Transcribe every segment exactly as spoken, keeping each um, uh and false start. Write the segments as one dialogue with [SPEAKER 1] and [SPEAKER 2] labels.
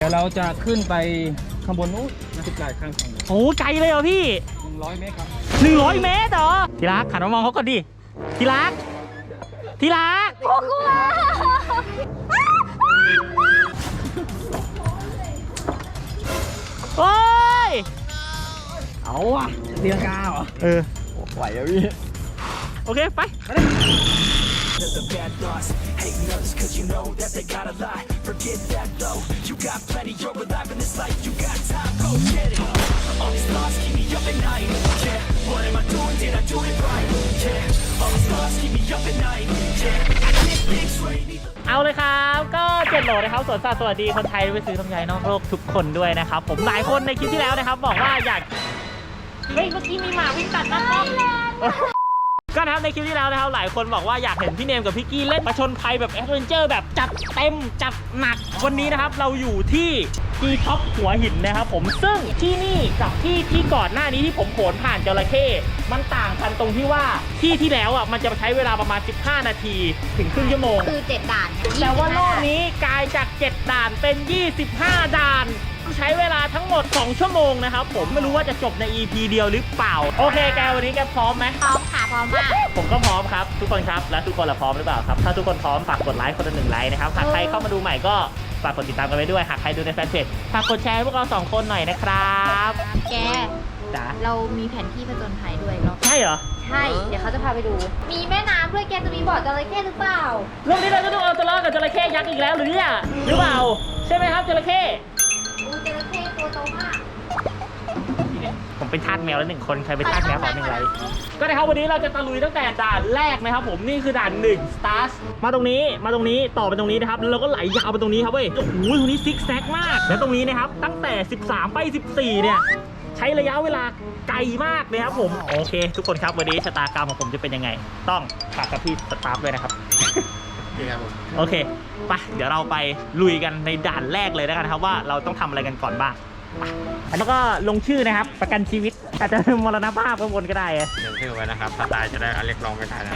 [SPEAKER 1] ยวเราจะขึ้นไปข้างบนนู้นสิบหลายข้างทาง
[SPEAKER 2] โอ้ไกลเลยเหรอพี่
[SPEAKER 1] หนึ่งร้อยเมตรครับ
[SPEAKER 2] หนึ่งร้อยเมตรเหรอทีรักหันมามองเขาก่อนดิทีรักทีรักโอ้กลัวโอ้ยเอาอ่ะเรียงกาเหรอเออไหวแล้วพี่โอเคไปเอาเลยครับก็เจ็ดโหลนะครับสวนสัตว์สวัสดีคนไทยไปซื้อลำไยนอกโลกทุกคนด้วยนะครับผมหลายคนในคลิปที่แล้วนะครับบอกว่าอยากเฮ้ยเมื่อกี้มีหมาวิ่งตัดหน้ากล้องก็นะครับในคลิปที่แล้วนะครับหลายคนบอกว่าอยากเห็นพี่เนมกับพี่กี้เล่นประชนภัยแบบแอดเวนเจอร์แบบจัดเต็มจัดหนักวันนี้นะครับเราอยู่ที่ที่ท็อปหัวหินนะครับผมซึ่งที่นี่กับที่ที่ก่อนหน้านี้ที่ผมโขนผ่านจระเข้มันต่างกันตรงที่ว่าที่ที่แล้วอ่ะมันจะใช้เวลาประมาณสิบห้านาทีถึงครึ่งชั่วโมง
[SPEAKER 3] คือเจ็ดด่าน
[SPEAKER 2] แต่ว่ารอบนี้กลายจากเจ็ดด่านเป็นยี่สิบห้าด่านใช้เวลาทั้งหมดสองชั่วโมงนะครับผมไม่รู้ว่าจะจบใน อี พี เดียวหรือเปล่าโอเคแกวันนี้แกพร้อมไหม
[SPEAKER 3] พร้อมค่ะพร้อมมาก
[SPEAKER 2] ผมก็พร้อมครับทุกคนครับและทุกคนละพร้อมหรือเปล่าครับถ้าทุกคนพร้อมฝากกดไลค์คนละหนึ่งไลค์นะครับหากใครเข้ามาดูใหม่ก็ฝากกดติดตามกันไว้ด้วยหากใครดูในแฟนเพจฝากกดแชร์ให้พวกเราสองคนหน่อยนะครับ
[SPEAKER 3] แก
[SPEAKER 2] จ๋า
[SPEAKER 3] เรามีแผนที่ผจญภัยด้วยเนาะ
[SPEAKER 2] ใช่เหรอ
[SPEAKER 3] ใช่เดี๋ยวเขาจะพาไปดูมีแม่น้ำด้วยแกจะมีบ่อจระเข้หรือเปล่า
[SPEAKER 2] เรื่องนี้เราจะต้องเอาตัวรอดกับจระเข้ยักษ์อีกแล้วหรือเนี่ยหรือเปล่าใช่ไหมครับจระเข้
[SPEAKER 3] อูจระเข้ตัวโตมาก
[SPEAKER 2] ผมเป็นทาสแมวแล้วหนึ่งคนใครเป็นทาสแมวขอหนึ่งไลค์ก็นะครับวันนี้เราจะตะลุยตั้งแต่ด่านแรกนะครับผมนี่คือด่านหนึ่ง Stars มาตรงนี้มาตรงนี้ต่อไปตรงนี้นะครับแล้วเราก็ไหลยาวไปตรงนี้ครับเว้ยโอ้โหตรงนี้ซิกแซกมากแล้วตรงนี้นะครับตั้งแต่สิบสามไปสิบสี่เนี่ยใช้ระยะเวลาไกลมากเลยครับผมโอเคทุกคนครับวันนี้ชะตากรรมของผมจะเป็นยังไงต้องฝากกับพี่สตาฟด้วยนะครับโอเคไปเดี๋ยวเราไปลุยกันในด่านแรกเลยแล้วกันครับว่าเราต้องทำอะไรกันก่อนบ้างแล้วก็ลงชื่อนะครับประกันชีวิตอาจจะมรณภาพข้างบนก็ได้
[SPEAKER 1] ลงชื่อไว้นะครับถ้าตายจะได้เรียกร้องไม่ได้นะ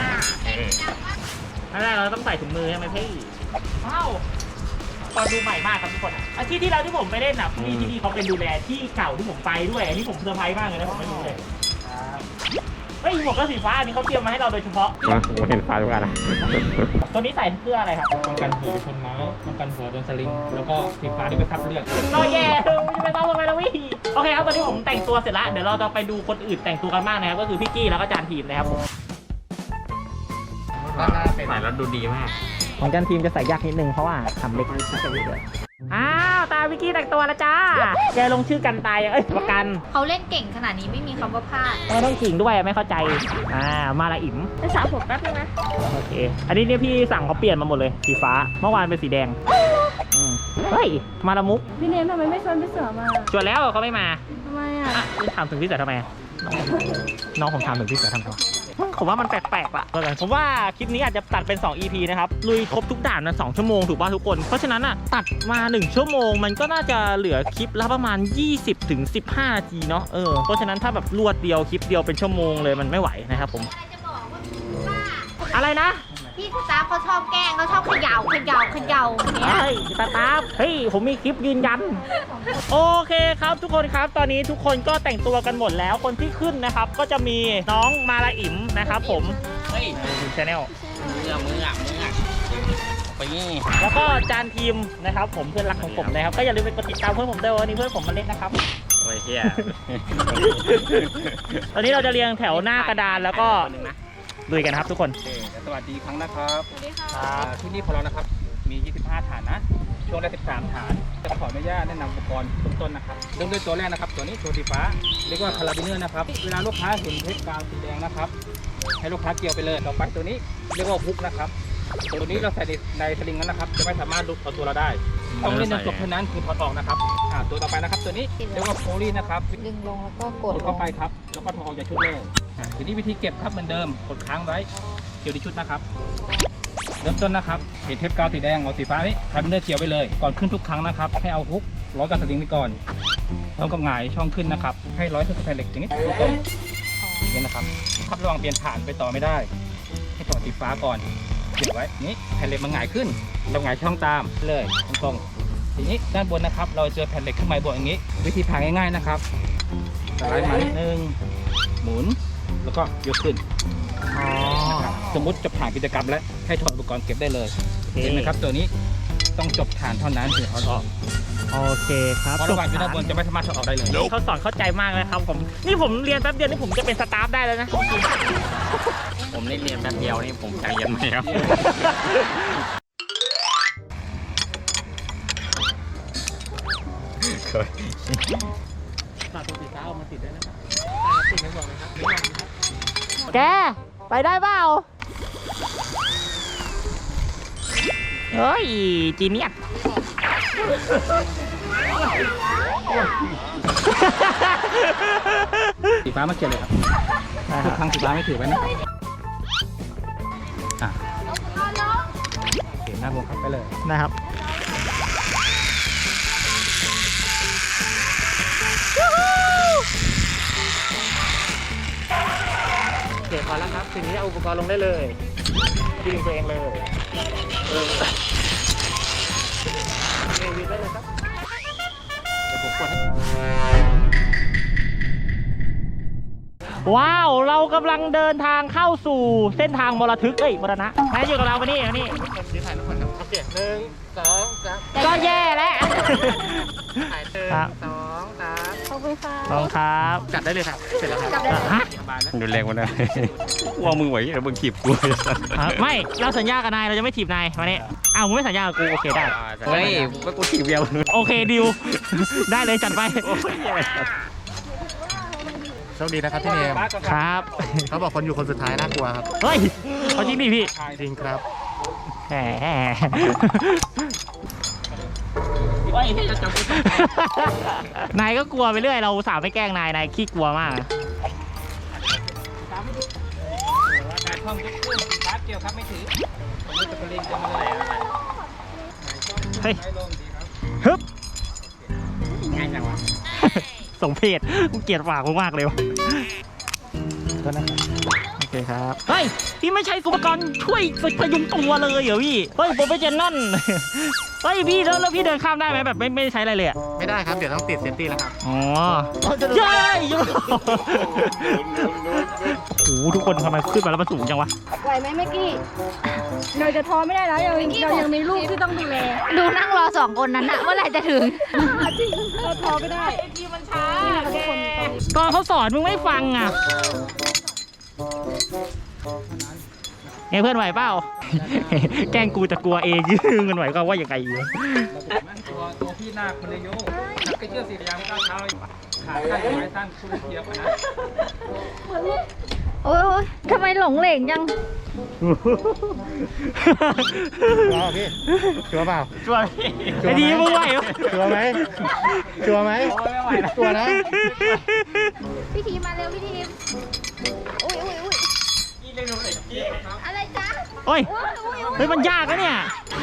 [SPEAKER 2] นั่นแหละเราต้องใส่ถุงมือใช่ไหมพี่ว้าวตอนดูใหม่มากครับทุกคนอาที่ที่แล้วที่ผมไปเล่นนะพี่ที่นี่เขาเป็นดูแลที่เก่าที่ผมไปด้วยอันนี้ผมเซอร์ไพรส์มากเลยนะผมไม่รู้เลยเฮ้ยหมวกกระสีฟ้าอันนี้เขาเตรียมมาให้เราโดยเฉพาะ
[SPEAKER 1] ผมเห็นฟ้าทุกอันนะ
[SPEAKER 2] ตัวนี้ใส่เพื่ออะไรครับ
[SPEAKER 1] ป้องกันหัวชนไม้ป้องกันหัวโดนสลิงแล้วก็สีฟ้าที่ไปทับเลือด
[SPEAKER 2] น้อยแย่ไม่ต้องลงไปแล้ววี่โอเคครับตอนนี้ผมแต่งตัวเสร็จแล้วเดี๋ยวเราจะไปดูคนอื่นแต่งตัวกันบ้างนะครับก็คือพี่กี้แล้วก็จานทีมนะครับผม
[SPEAKER 1] ใส่แล้วดูดีมาก
[SPEAKER 2] ของจานทีมจะใส่ยากนิดนึงเพราะว่าทำเล็กนิดเดียวอ้าวตาวิกกี้แต่งตัวแล้วจ้าแกลงชื่อกันตายเอ้ยประกัน
[SPEAKER 3] เขาเล่นเก่งขนาดนี้ไม่มีคำว่าพลาด
[SPEAKER 2] ไม่ต้องขิงด้วยไม่เข้าใจอ่ามาละอิ่ม
[SPEAKER 3] ไปสระผมแป๊บนึงนะ
[SPEAKER 2] โอเคอันนี้เนี่ยพี่สั่งเขาเปลี่ยนมาหมดเลยสีฟ้าเมื่อวานเป็นสีแดงเฮ้ยมาละมุก
[SPEAKER 3] พี่เนมทำไมไม่ชวนพี่เสือมา
[SPEAKER 2] ชวนแล้วเขาไม่มา
[SPEAKER 3] ทำไมอ่ะ
[SPEAKER 2] พี่ถามถึงพี่เสือทำไมน้องผมถามถึงพี่เสือทำไมผมว่ามันแปลกๆว่ะผมว่าคลิปนี้อาจจะตัดเป็นสอง อี พี นะครับลุยครบทุกด่านนะสองชั่วโมงถูกป่ะทุกคนเพราะฉะนั้นอ่ะตัดมาหนึ่งชั่วโมงมันก็น่าจะเหลือคลิปละประมาณยี่สิบถึงสิบห้านาทีเนาะเออเพราะฉะนั้นถ้าแบบรวดเดียวคลิปเดียวเป็นชั่วโมงเลยมันไม่ไหวนะครับผมอะไรนะ
[SPEAKER 3] พี่สตาฟเขาชอบแกล้งเขาชอบเขย่าเขย่าเขย่า
[SPEAKER 2] เนี่ยเฮ้ยสตาฟเฮ้ยผมมีคลิปยืนยันโอเคครับทุกคนครับตอนนี้ทุกคนก็แต่งตัวกันหมดแล้วคนที่ขึ้นนะครับก็จะมีน้องมาลาอิ๋มนะครับผมเฮ้ยดูชาแนล
[SPEAKER 1] มือมือมือไปนี่
[SPEAKER 2] แล้วก็จานทีมนะครับผมเพื่อนรักของผมนะครับก็อย่าลืมไปกดติดตามเพื่อนผมด้วยวันนี้เพื่อนผมมาเล่นนะครับ
[SPEAKER 1] โอ้ยเฮีย
[SPEAKER 2] ตอนนี้เราจะเรียงแถวหน้ากระดานแล้วก็ลุยกันครับทุกคน
[SPEAKER 1] สวัสดีครั้งนะครับ
[SPEAKER 3] สวัสดีค่ะ
[SPEAKER 1] ที่นี่ของเรานะครับมียี่สิบห้าฐานนะช่วงแรกสิบสามฐานจะขออนุญาตแนะนำอุปกรณ์ต้นๆนะครับเริ่มด้วยตัวแรกนะครับตัวนี้ตัวสีฟ้าเรียกว่าคาราบิเนอร์นะครับเวลาลูกค้าเห็นเทปกาวสีแดงนะครับให้ลูกค้าเกี่ยวไปเลยต่อไปตัวนี้เรียกว่าฮุกนะครับตัวนี้เราใส่ในสลิงนั้นนะครับจะไม่สามารถลุกเอาตัวเราได้ต้องเล่นจนจบเท่านั้นคือถอดออกนะครับตัวต่อไปนะครับตัวนี้เรียกว่าโพลีนะครับ
[SPEAKER 3] ดึงลงแล้วก็กด
[SPEAKER 1] เข้าไปครับแล้วก็ถอดออกจากชุดเลยทีนี้วิธีเก็บครับเหมือนเดิมกดค้างไว้เกี่ยวที่ชุดนะครับเริ่มต้นนะครับเห็นเทปกาวสีแดงเอาสีฟ้านี่ทำเนื้อเกี่ยวไปเลยก่อนขึ้นทุกครั้งนะครับให้เอาฮุกร้อยกับสลิงไปก่อนแล้วก็หงายช่องขึ้นนะครับให้ร้อยขึ้นกับแผ่นเหล็กอย่างนี้ต้นอย่างนี้นะครับครับระวังเปลี่ยนฐานไปต่อไม่ได้ให้ต่อสีฟ้าก่อนเก็บไว้นี้แผ่นเหล็กมันหงายขึ้นเราหงายช่องตามเลยตรงทีนี้ด้านบนนะครับเราเจอแผ่นเหล็กเครื่องหมายบวกอย่างนี้ วิธีผ่าง่ายๆนะครับสไลด์มานิดนึงหมุนแล้วก็ยกขึ้น
[SPEAKER 2] อ๋อ
[SPEAKER 1] นะครับสมมุติจะผ่านกิจกรรมแล้วให้ถอดอุปกรณ์เก็บได้เลยเห็นไหมครับตัวนี้ต้องจบฐานเท่านั้นถึงถอดออก
[SPEAKER 2] โอเคครับ
[SPEAKER 1] เพราะระหว่างอยู่ด้านบนจะไม่สามารถถอดออกได้เลย
[SPEAKER 2] เขาสอนเข้าใจมากเลยครับผมนี่ผมเรียนแป๊บเดียวนี่ผมจะเป็นสตาฟได้แล้วนะ
[SPEAKER 4] ผมได้เรียนแป๊บเดียวนี่ผมใจเย็นไหมครับ
[SPEAKER 2] ฝากตัวสีฟ้าเอามาติดด้วยนะครับติดไม่บอกเลยครับแกไปได้เปล่าเฮ้ยจีเนียส
[SPEAKER 1] สีฟ้ามาเก็บเลยครับทุกครั้งสีฟ้าไม่ถือไว้นะอ่ะเก็บหน้าบวงครับไปเลย
[SPEAKER 2] นะครับโอเคพอแล้วครับทีนี้เอาอุปกรณ์ลงได้เลยดึงตัวเองเลยเออยืนได้เลยครับเดี๋ยวผมกดให้ว้าวเรากำลังเดินทางเข้าสู่เส้นทางมรทึกเอ้ยมรณะแม่อยู่กับเราไปนี่มานี่
[SPEAKER 4] ยืนถ่ายทุกคนครับโอเคหนึ่งสองสาม
[SPEAKER 2] ก็แย่แล้ว
[SPEAKER 4] ถ่ายหนึ่ง
[SPEAKER 2] ครับ
[SPEAKER 4] สองสาม
[SPEAKER 3] ขอบคุณค่ะ
[SPEAKER 2] ขอบคุณครับ
[SPEAKER 4] จัดได้เลยครับเสร็จแล้วครับ
[SPEAKER 3] กลับได้เลย
[SPEAKER 2] ฮะ
[SPEAKER 4] ดูแรงวันนั้นว่ามึงไหวแล้วมึงขีบกู
[SPEAKER 2] ฮะไม่เราสัญญากับนายเราจะไม่ถีบนายมานี่อ้าวมึงไม่สัญญากับกูโอเคได้
[SPEAKER 4] เฮ้ยว่ากูถีบเดียว
[SPEAKER 2] โอเคดิว ได้เลยจัดไป
[SPEAKER 4] โชคดีนะครับพี่เนม
[SPEAKER 2] ครับ
[SPEAKER 4] เขาบอกคนอยู่คนสุดท้ายน่ากลัวครับ
[SPEAKER 2] เฮ้ยเอาจริงดิพี่
[SPEAKER 4] จริงครับ
[SPEAKER 2] แหมนายก็กลัวไปเรื่อยเราสาวไม่แกล้งนายนายขี้กลัวมาก
[SPEAKER 1] การท่องยกขึ้นสีฟ้าเกี่ยวครับไม่ถือผมจะเป็นลิงจะมาเลย
[SPEAKER 2] เฮ้ย
[SPEAKER 1] ให้ลงดีครับ
[SPEAKER 2] ฮึบ
[SPEAKER 1] ง่ายจังวะ
[SPEAKER 2] ส่งเพจกูเกลียดปากกูมากเลยวะโอเคครับ เฮ้ย พี่ไม่ใช้อุปกรณ์ช่วยพยุงตัวเลยเหรอพี่ เฮ้ยโปรเฟชชั่นนั่น เฮ้ยพี่แล้วแล้วพี่เดินข้ามได้ไหมแบบไม่ไม่ใช้อะไรเลยอะ
[SPEAKER 4] ไม่ได้ครับเดี๋ยวต้องติดเซฟตี้แล้วครับ
[SPEAKER 2] อ๋อเย้ยโอ้โหทุกคนทำไมขึ้นมาแล้วมันสูงจังวะ
[SPEAKER 5] ไหวไหมเมื่อกี้เราจะท้อไม่ได้แล้วเราเรายังมีลูกที่ต้องดูแล
[SPEAKER 3] ดูนั่งรอสองคนนั้นอะเมื่อไหร่จะถึง
[SPEAKER 5] จริงเราท้อไม่ได้ทีมันช้าทุกคนตอนนี้
[SPEAKER 2] ตอนเขาสอนมึงไม่ฟังอ่ะไงเพื่อนไหวเปล่า แกล้งกูจะกลัวเองมันไหวก็ว่าอย่างไรอยู่
[SPEAKER 1] ตัวตัวพี่นาคคนเลยโยจับกระเชือกสียางก้าวเท้าขาสั้นไม้สั้นคุณเทียบนะ
[SPEAKER 3] โอ้ยโอ๊ยทำไมหลงเหลงจัง
[SPEAKER 4] ชัวร์พี่ชัวร์เปล่า
[SPEAKER 2] ช่วยไอ้ดีมึงไหวเหรอ
[SPEAKER 4] ชัวร์ไหมชัวร์ไหมชัวร์นะ
[SPEAKER 3] พี่ทีมมาเร็วพี่ทีมอุ้ยอุ้ยอุ้ยอะไรจ๊ะ
[SPEAKER 2] โอ้ย
[SPEAKER 3] อุ้ยอุ้ยอุ้ย
[SPEAKER 2] เฮ้ยมันยากนะเนี่ย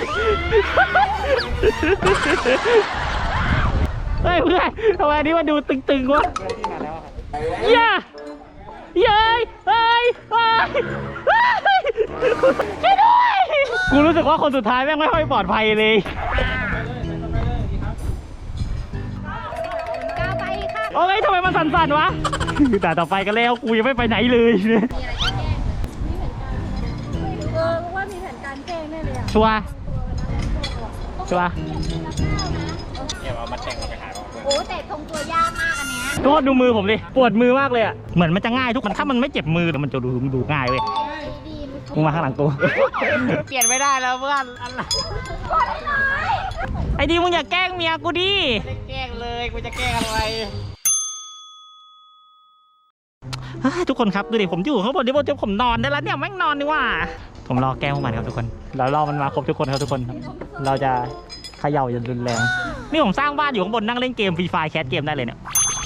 [SPEAKER 2] เฮ้ยเพื่อนทำไมอันนี้มันดูตึงๆวะย่าเย้ยเฮ้ยเฮ้ยช่วยด้วยกูรู้สึกว่าคนสุดท้ายแม่งไม่ค่อยปลอดภัยเลย
[SPEAKER 3] ก้าวไปค่ะ
[SPEAKER 2] โอ้ยทำไมมันสั่นๆวะแต่ต่อไปกันแล้วกูยังไม่ไปไหนเลย
[SPEAKER 3] มีอะไรจะแก้
[SPEAKER 5] เออว่ามีแผนการแกล้งแน่เลยอ่ะ
[SPEAKER 2] ชัวร์ชัวร์
[SPEAKER 3] โอ้แต่ทรงตัวยากมากอันเนี้ย
[SPEAKER 2] โทษดูมือผมดิปวดมือมากเลยอ่ะเหมือนมันจะง่ายทุกคนถ้ามันไม่เจ็บมือแต่มันจะดูดูง่ายเว้ย
[SPEAKER 3] ดีๆ
[SPEAKER 2] มึงมาข้างหลังกู เปลี่ยนไม่ได้แล้วเพื่อนไอ้ดีมึงอย่าแกล้งเมียกูดิไม่แกล้งเลยกูจะแกล้งอะไรทุกคนครับดูดิผมอยู่ข้างบนที่บนผมนอนได้แล้วเนี่ยแม่งนอนดีว่าผมรอแกล้งพวกมันครับทุกคนเรารอมันมาครบทุกคนครับทุกคนครับเราจะเขย่าอย่างรุนแรงนี่ผมสร้างบ้านอยู่ข้างบนนั่งเล่นเกมฟรีไฟแคสเกมได้เลยเนี่ย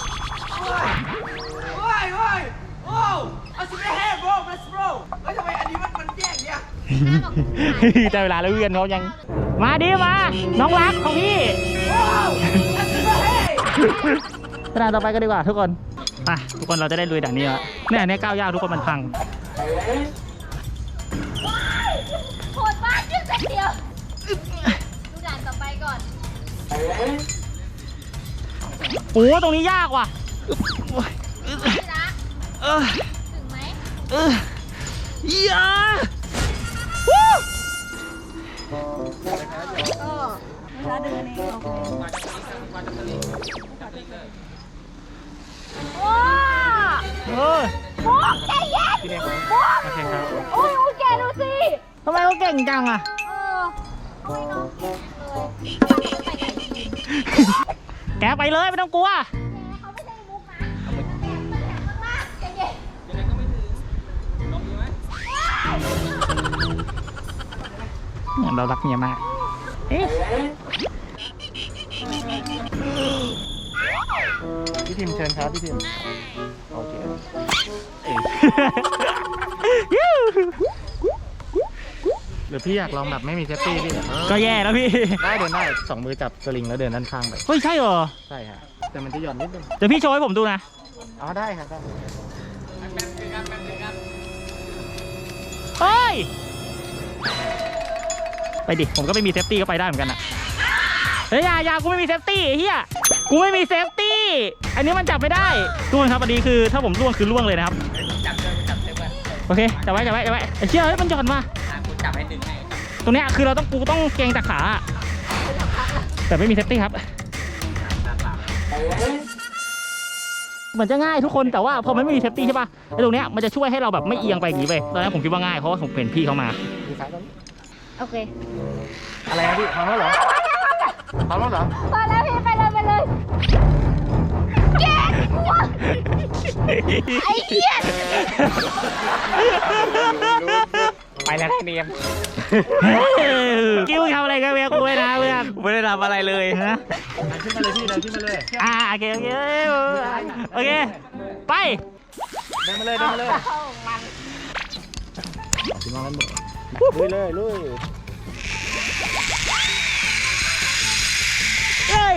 [SPEAKER 2] ได้เวลาแล้วเพื่อนเขายังมาดิมาน้องรักของพี่ด่านต่อไปกันดีกว่าทุกคนไปทุกคนเราจะได้ลุยด่านนี้แล้วเนี่ยอันนี้ก้าวยากทุกคนมันพัง
[SPEAKER 3] โหดมากยืดเส้นเดียว ดูด่านต่อไปก่อน
[SPEAKER 2] โอ้ตรงนี้ยากว่ะเออ
[SPEAKER 3] ถึงไหม
[SPEAKER 2] เอออยาวู้
[SPEAKER 5] ก็เวลาเดินเองโอเค
[SPEAKER 1] มาจากนี้มาจากนี้จับเลยเลย
[SPEAKER 5] ว้า
[SPEAKER 2] เออ
[SPEAKER 5] โอ้ใจเย็น
[SPEAKER 2] พี่เด็ก
[SPEAKER 5] โอ้
[SPEAKER 2] โอเคครับ
[SPEAKER 5] โอ้ยโอ้ยแกดูสิ
[SPEAKER 2] ทำไมเขาเก่งจังอ่ะ
[SPEAKER 5] เออ
[SPEAKER 3] โอ้ยน้องเก่งเลยไปไหนดี
[SPEAKER 2] แกไปเลยไม่ต้องกลัว
[SPEAKER 3] เขาไม่ใช่มุกนะมันแหลมมากๆใจเย็น
[SPEAKER 1] ยังไงก็ไม่ถึงลองดูไหม
[SPEAKER 2] เรารักเมียมากเอ๊ะพี่ทิมเชิญครับพี่ทิมโอเคหรือพี่อยากลองแบบไม่มีเซฟตี้พี่ก็แย่แล้วพี่ได้เดินได้สองมือจับสลิงแล้วเดินด้านข้างไปเฮ้ยใช่เหรอใช่ฮะแต่มันจะหย่อนนิดนึงเดี๋ยวพี่โชว์ให้ผมดูนะอ๋อได้ครับได้เฮ้ยไปดิผมก็ไม่มีเซฟตี้ก็ไปได้เหมือนกันอะเฮ้ยอย่าอย่ากูไม่มีเซฟตี้เฮียกูไม่มีเซฟตี้อันนี้มันจับไม่ได้ทุกคนครับอันนี้คือถ้าผมล่วงคือล่วงเลยนะครับ
[SPEAKER 4] จับเลยจับเลยเพื่อน
[SPEAKER 2] โอเคจับไว้จับไว้จับไว้ไอ้เชี่ยเฮ้ยมันหย่อนมา
[SPEAKER 4] อ่ะกูจับให้ดึงให้
[SPEAKER 2] ตรงเนี้ยคือเราต้องกูต้องเกรงจากขาแต่ไม่มีเซฟตี้ครับเหมือนจะง่ายทุกคนแต่ว่าพอมันไม่มีเซฟตี้ใช่ป่ะไอ้ตรงเนี้ยมันจะช่วยให้เราแบบไม่เอียงไปอย่างนี้ไปตอนนั้นผมคิดว่าง่ายเพราะว่าผมเห็นพี่เขามา
[SPEAKER 5] โอเค
[SPEAKER 2] อะไรนะพี่พร้อมแล้วเหรอพร้อมแล้วเหรอ
[SPEAKER 5] พอแล้วพี่ไปเลยไปเลยแกกลัวไอ้เหี้ย
[SPEAKER 2] ไปแล้วเนียมกิ้วทำอะไรกันเมียกูไม่นะเพื่อน
[SPEAKER 4] ไม่ได้ทำอะไรเลย
[SPEAKER 2] ฮะ
[SPEAKER 1] ขึ้นมาเลยพี่เดินขึ้นมาเลย
[SPEAKER 2] อ่าโอเคโอเคโอเคไป
[SPEAKER 1] เดินมาเลยเดินมาเลยลุยเลยลุย
[SPEAKER 2] เอ้ย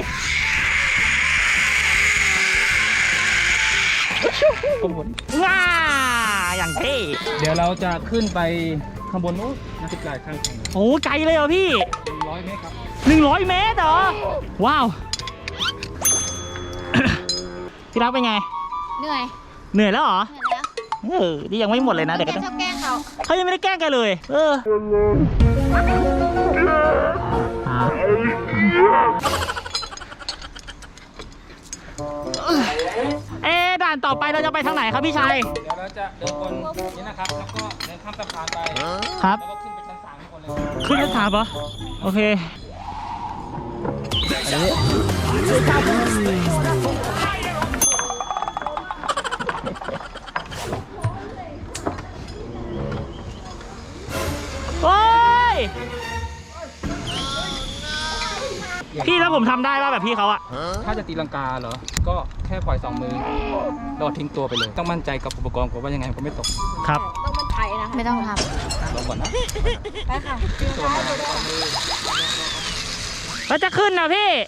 [SPEAKER 1] ข้างบน
[SPEAKER 2] ว้าอย่างเท่
[SPEAKER 1] เดี๋ยวเราจะขึ้นไปข้างบนนู้นนะสิบหลายข้างทาง
[SPEAKER 2] โอ้ไกลเลยเหรอพี่
[SPEAKER 1] ร้อยเมตรครับ
[SPEAKER 2] หนึ่งร้อยเมตรเหรอว้าว พี่รักเป็นไง
[SPEAKER 3] เหนื่อย
[SPEAKER 2] เหนื่อยแล้วเหรอ
[SPEAKER 3] เหนื่อยแล้ว
[SPEAKER 2] เออนี่ยังไม่หมดเลยนะเดี๋ยว
[SPEAKER 3] แก
[SPEAKER 2] ก็ต้อง
[SPEAKER 3] ชอบแกล้งเขา
[SPEAKER 2] เขายังไม่ได้แกล้งกันเลย เออเอ๊ะด่านต่อไปเราจะไปทางไหนครับพี่ชัย
[SPEAKER 1] เดี๋ยวเราจะเดินบนนี้นะครับแล้วก็เดินข้ามสะพานไป
[SPEAKER 2] ครับ
[SPEAKER 1] แล้วก็ขึ้นไปชั้นสามทุกคนเลย
[SPEAKER 2] ขึ้นชั้นสามเหรอโอเคโอ้ยพี่แล้วผมทำได้ป่ะแบบพี่เขาอะ
[SPEAKER 1] ถ้าจะตีลังกาเหรอ ก็แค่ปล่อยสองมือโดดทิ้งตัวไปเลย ต้องมั่นใจกับอุปกรณ์ผมว่ายังไงผมไม่ตก
[SPEAKER 2] ครับ
[SPEAKER 5] ต้องมันไถนะคะ
[SPEAKER 3] ไม่ต้องท
[SPEAKER 1] ลองก่อนนะ
[SPEAKER 5] ไปค่ะดูได้ดูได้
[SPEAKER 2] แล้วจะขึ้นนะพี่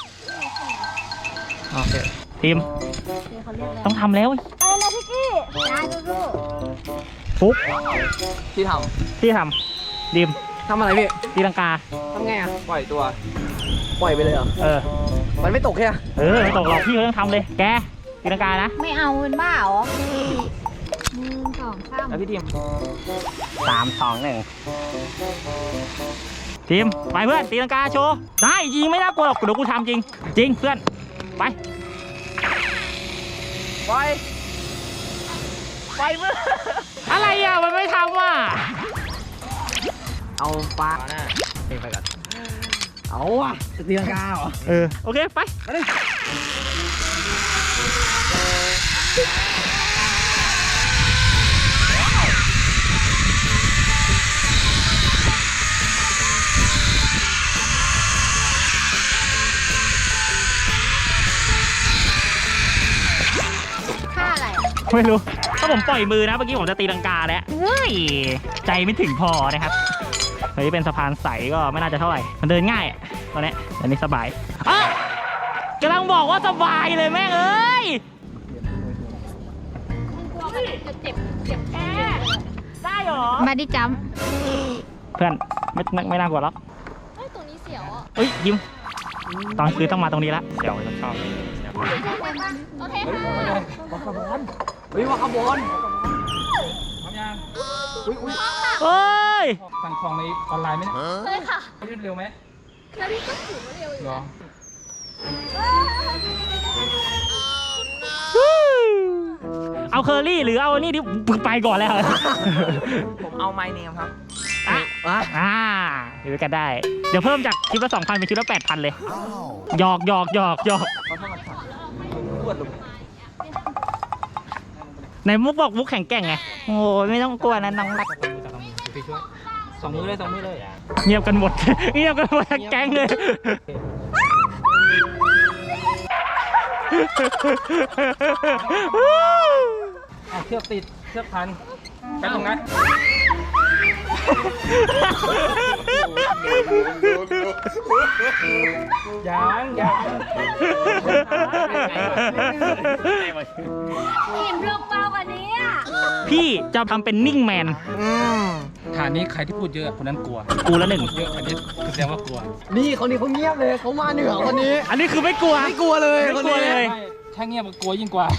[SPEAKER 2] โอเคทีม
[SPEAKER 5] เขาเรียกอะไร
[SPEAKER 2] ต้องทำแล้ว
[SPEAKER 5] ไปเลยพี่กี้ได้ดู
[SPEAKER 2] ฟุก
[SPEAKER 4] ที่ท
[SPEAKER 2] พี่ทำดิม
[SPEAKER 4] ำทำอะไรพี่
[SPEAKER 2] ตีลังกา
[SPEAKER 4] ทำไงอ่ะ
[SPEAKER 1] ปล่อยตัว
[SPEAKER 4] ปล่อยไปเลยเหรอ
[SPEAKER 2] เออ
[SPEAKER 4] มันไม่ตกแค่
[SPEAKER 2] เออไม่ตกหรอกพี่เขาต้องทำเลย แกตีลังกานะ
[SPEAKER 5] ไม่เอาเป็นบ้าเหรอ
[SPEAKER 3] ำหนึ่งสองสาม
[SPEAKER 1] แล้วพี่ทีม
[SPEAKER 4] สามสองหนึ่ง
[SPEAKER 2] ทีมไปเพื่อนตีลังกาโชว์ได้จริงไม่น่ากลัวหรอกเดี๋ยวกูทำจริง จริงเพื่อนไปไปไปเพื่อนอะไรอ่ะมันไม่ทำอ่ะ
[SPEAKER 4] เอาปลาหน้าไปก่อนเอาอ่ะจะตีลังกาเหรอ
[SPEAKER 2] เออโอเคไป
[SPEAKER 3] ค่าอะไรอ่ะ
[SPEAKER 2] ไม่รู้ถ้าผมปล่อยมือนะเมื่อกี้ผมจะตีลังกาแล้วเฮ้ยใจไม่ถึงพอนะครับเฮ้ยเป็นสะพานใสก็ไม่น่าจะเท่าไหร่มันเดินง่ายอะตอนนี้อันนี้สบายอ่ะกำลังบอกว่าสบายเลยแม่งเอ้ย
[SPEAKER 3] กลัวมันจะเจ็บเจ็บแผล
[SPEAKER 2] ได้เหรอ
[SPEAKER 3] มาดิจัม
[SPEAKER 2] เพื่อนไม่ไม่ไม่น่ากลัวหรอก
[SPEAKER 3] เฮ้ยตรงนี้เสียวอ่ะ
[SPEAKER 2] เอ้ยยิ้มตอนคืนต้องมาตรงนี้ละเดี๋ยวเราชอบเลยเดี๋ยว
[SPEAKER 3] โอเคค่ะ
[SPEAKER 4] เฮ้ยวาคาบอล
[SPEAKER 1] พร้อมยัง
[SPEAKER 4] อุ้ยอุ้ย
[SPEAKER 2] เฮ้ย
[SPEAKER 1] สั่งของในออนไลน์ไหมเนี่ย
[SPEAKER 3] เลยค่ะ
[SPEAKER 1] ยืดเร็วไหม
[SPEAKER 3] แล้วพี่ก็ถือมาเร็วอยู่
[SPEAKER 1] เหรอ
[SPEAKER 2] เอาเคอรี่หรือเอาอันนี้ดิไปก่อนแล้ว
[SPEAKER 4] ผมเอาไมเนมครับ
[SPEAKER 2] อ่ะ
[SPEAKER 4] อ่ะ
[SPEAKER 2] อ่าอยู่ด้วยกันได้ เดี๋ยวเพิ่มจากคลิปละสองพันเป็นคลิปละแปดพันเลยหยอกหยอกหยอกหยอก
[SPEAKER 4] เขาทำมาถักปวดลง
[SPEAKER 2] ในมุกบอกมุกแข่งแกร่งไงโอ้ยไม่ต้องกลัวนะน้องรัก
[SPEAKER 1] จับมือจับมือพี่ช่วยสองมือเลยสองมือเลย
[SPEAKER 2] เงียบกันหมด เงียบกันหมดทั้งแก๊งเลย
[SPEAKER 1] เอาเชือกติดเชือกพันแป๊บนึงนะยังยัง
[SPEAKER 3] อิ่มลงเบากว่านี้อ่ะ
[SPEAKER 2] พี่จะทำเป็นนิ่งแมน
[SPEAKER 4] อืม
[SPEAKER 1] ฐานนี้ใครที่พูดเยอะคนนั้นกลัว
[SPEAKER 2] กูละหนึ่ง
[SPEAKER 1] พูดเยอะอันนี้แสดงว่ากลัว
[SPEAKER 4] นี่คนนี้เขาเงียบเลยเขามาเหนือคนนี้
[SPEAKER 2] อันนี้คือไม่กลัว
[SPEAKER 4] ไม่กลัวเลย
[SPEAKER 2] ไม่
[SPEAKER 4] คน
[SPEAKER 2] กลัว
[SPEAKER 4] นี้
[SPEAKER 2] เลย
[SPEAKER 1] ไม่ถ้าเงียบมันกลัวยิ่งกว่า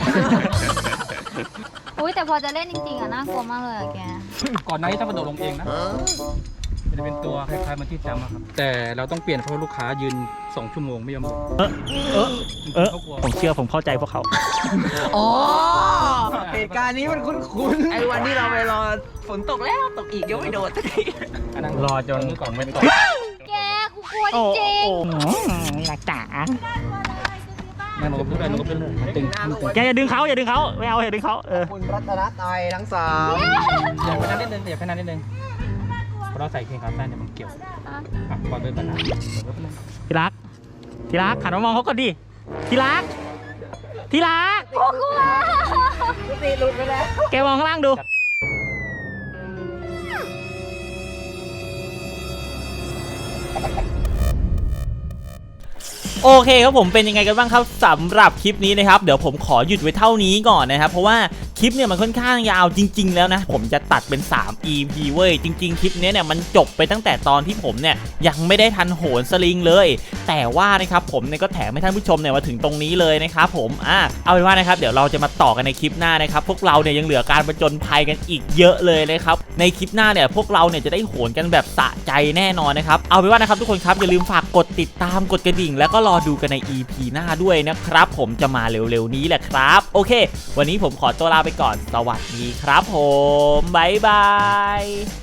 [SPEAKER 3] อุ้ยแต่พอจะเล่นจริงๆอ่ะน่ากลัวมากเลยอะแก
[SPEAKER 1] ก่อนหน้านี้ต้องกระโดดลงเองนะมันจะเป็นตัวคล้ายๆมันที่จำอะครับ แต่เราต้องเปลี่ยนเพราะลูกค้ายืนสองชั่วโมงไม่ยอมลง
[SPEAKER 2] เออเออเออ
[SPEAKER 1] เขากลัว
[SPEAKER 2] ผมเชื่อผมเข้าใจพวกเขา
[SPEAKER 4] อ๋อเหตุการณ์นี้มันคุ้นๆไอ้วันที่เราไปรอฝนตกแล้วตกอีกยังไม่โดดสักที
[SPEAKER 1] อันนั้นรอจนนี้ก่อนไม่ตก
[SPEAKER 3] แกกูกลัวจ
[SPEAKER 2] โอ้
[SPEAKER 3] ริง
[SPEAKER 2] โหนี่รักจ๋า
[SPEAKER 1] นั่งลงกับพื้นเลยลงกับพื้นเลยตึงตึงตึง
[SPEAKER 2] แกอย่าดึงเขาอย่าดึงเขาไม่เอาอย่าดึงเขาเออ
[SPEAKER 4] คุณรัตนตรัยทั้งสาม
[SPEAKER 1] อย่าไปนั่นนิดนึงอย่าไปนั่นนิดนึงเพราะเราใส่เกงขาสั้นเนี่ยมันเกี่ยวอ่ะปล่อยไปก่อนนะเดี๋ยวแป๊บนึง
[SPEAKER 2] ที่รักที่รักหันมามองเขาก่อนดิที่รักที่รัก
[SPEAKER 3] ๆกูกลัว
[SPEAKER 4] ตีหลุดไปแล้ว
[SPEAKER 2] แกมองข้างล่างดู โอเคครับผมเป็นยังไงกันบ้างครับสำหรับคลิปนี้นะครับเดี๋ยวผมขอหยุดไว้เท่านี้ก่อนนะครับเพราะว่าคลิปเนี่ยมันค่อนข้างยาวจริงๆแล้วนะผมจะตัดเป็นสาม อี พี เว้ยจริงๆคลิปนี้เนี่ยมันจบไปตั้งแต่ตอนที่ผมเนี่ยยังไม่ได้ทันโหนสลิงเลยแต่ว่านะครับผมเนี่ยก็แถมให้ท่านผู้ชมเนี่ยมาถึงตรงนี้เลยนะครับผมอ่ะเอาเป็นว่านะครับเดี๋ยวเราจะมาต่อกันในคลิปหน้านะครับพวกเราเนี่ยยังเหลือการประจนภัยกันอีกเยอะเลยนะครับในคลิปหน้าเนี่ยพวกเราเนี่ยจะได้โหนกันแบบสะใจแน่นอนนะครับเอาเป็นว่านะครับทุกคนครับอย่าลืมฝากกดติดตามกดกระดิ่งแล้วก็รอดูกันใน อี พี หน้าด้วยนะครับผมจะมาเร็วๆนี้แหละครับโอเควันนี้ผมขอตัวลาไปก่อนสวัสดีครับผมบ๊ายบาย